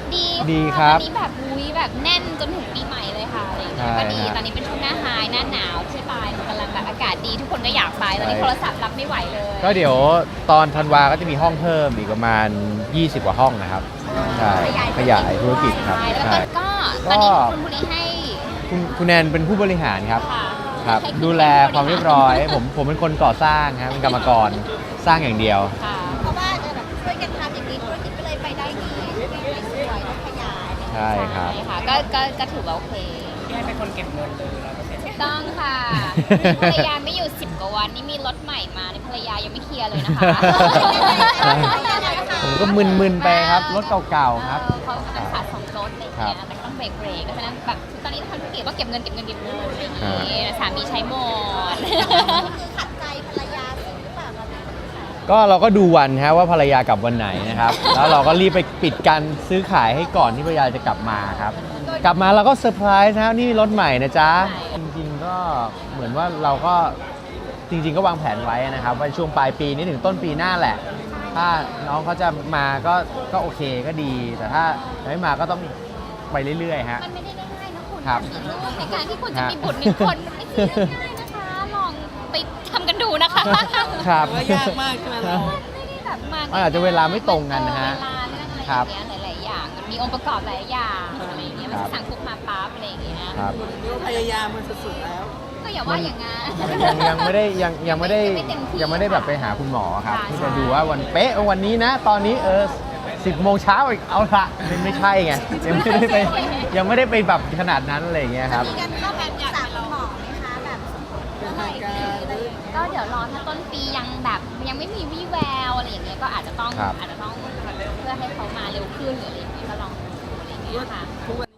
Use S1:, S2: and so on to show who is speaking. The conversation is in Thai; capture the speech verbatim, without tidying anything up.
S1: ดี
S2: ดีครับ
S1: ตอนนี้แบบอุ้ยแบบแน่นจนถึงปีใหม่เลยค่ะอะไรอย่างเงี้ย
S2: ใช่
S1: ก็ดี
S2: ฮะ
S1: ตอนนี้เป็นช่วงหน้าไฮหน้าหนาวใช่ปะมันกำลังแบบอากาศดีทุกคนก็อยากไปตอนนี้
S2: ใช่
S1: โทรศัพท์รับไม่ไหวเลย
S2: ก็เดี๋ยวตอนธันวาก็จะมีห้องเพิ่มอีกประมาณ ยี่สิบ กว่าห้องนะครับใช่ขยายธุรกิจครับ
S1: ใช่แล้ว
S2: ใช่
S1: ก็ก็ตอนนี้คุณบุรีให้
S2: คุณคุณแนนเป็นผู้บริหารครับ
S1: ค่ะ
S2: ครับ
S1: ให้ณ
S2: ดูแลความเรียบร้อย ผมผมเป็นคนก่อสร้างครับเป็นกรรมกรสร้างอย่างเดียว
S1: ค่ะ
S3: เพราะว่าเออแบบช่วยกันทำอย่างนี้ธุรกิจก็เลยไปได้ดีใช่ไหมสวยต้องขยาย
S2: ใช่ครับ
S1: ใช่ค่ะก็ก็ก็ถือว่าโอเค
S4: พี่ให้เป็นคนเก็บเงินเลยร้อยเปอร์เซ็นต์
S1: ต้องค่ะภรรยาไม่อยู่สิบกว่าวันนี่มีรถใหม่มาในภรรยายังไม่เคลียร์เลยนะคะ
S2: ใช่ ผมก็มึนๆไปครับรถเก่าๆครับ
S1: เออเขากำลังขาดสองรถอะไรอย่างเงี้ยแต่ก็ต้องเบรกเบรกเพราะฉะนั้นแบบตอนนี้ทำธุรกิจก็เก็บเงินเก็บเงินเก็บเงินอะไรอย่างเงี้ยสามีใช้หมด
S3: คือขัดใจภรรยาสิหรือเปล่าตอนนั้น
S2: ก็เราก็ดูวันฮะว่าภรรยากลับวันไหนนะครับ แล้วเราก็รีบไปปิดการซื้อขายให้ก่อนที่ภรรยาจะกลับมาครับ กลับมาเราก็เซอร์ไพรส์นะครับนี่รถใหม่นะจ๊ะ จริงๆก็เหมือนว่าเราก็จริงๆก็วางแผนไว้นะครับว่าช่วงปลายปีนี้ถึงต้นปีหน้าแหละ ถ้าน้องเขาจะมาก็ก็โอเคก็ดี แต่ถ้ายังไม่มาก็ต้องไปเรื่อยๆฮะ
S1: มันไม่ได้ง่ายๆนะคุณ
S2: ครับ
S1: มีลูกในการที่คุณจะมีบุตรหนึ่งคนมันไม่ใช่เรื่องง่ายนะคะ ลองไปทำกันดูนะคะ
S2: ครับ
S4: ว่ายากมากใช่ไหมเรา
S1: ไม่ได้แบบมา
S2: มันอาจจะเวลาไม่ตรงกันนะฮะ
S1: เวลาเรื่องอะไรอ
S2: ครั
S1: ย่า
S2: บ
S1: งเงี้ยหลายๆอย่างมันมีองค์ประกอบหลายอย่างอะไรอย่างเงี้ยมัน
S2: ครั
S1: จะ
S2: บ
S1: สั่งคุกมาปั๊บอะไรอย่างเงี้ย
S2: ครับ
S4: เรียกว่าพยายามมันสุดๆแล้ว
S1: ก็อย่าว่าอย่างงั้น
S2: ยังยังไม่ได้ยังยังไม่ได้
S1: ยังไม่เต็มที่
S2: ยังไม่ได้แบบไปหาคุณหมอครับ
S1: ค่ะ
S2: ที่
S1: ใช่
S2: จะดูว่าวันเป๊ะวันนี้นะ ตอนนี้เออสิบโมงเช้าอีกเอาละมันไม่ใช่ไงยังไม่ได้ไปยังไม่ได้ไปแบบขนาดนั้นอะไรอย่างเงี้ยครับ
S3: มีกันเข้าไปปรึกษาคุณหมอไหมคะแบบเมื่อไหร่ดีอะไรอย่างเงี้ย
S1: ก็เดี๋ยวรอถ้าต้นปียังแบบยังไม่มีวี่แววอะไรอย่างเงี้ยก็อาจจะต้อง
S2: ครับ
S1: อาจจะต้องเพื่อให้เขามาเร็วขึ้นหรืออะไรอย่างเงี้ยก็ลองดูอะไรอย่างเงี้ยค่ะ
S4: ทุกวัน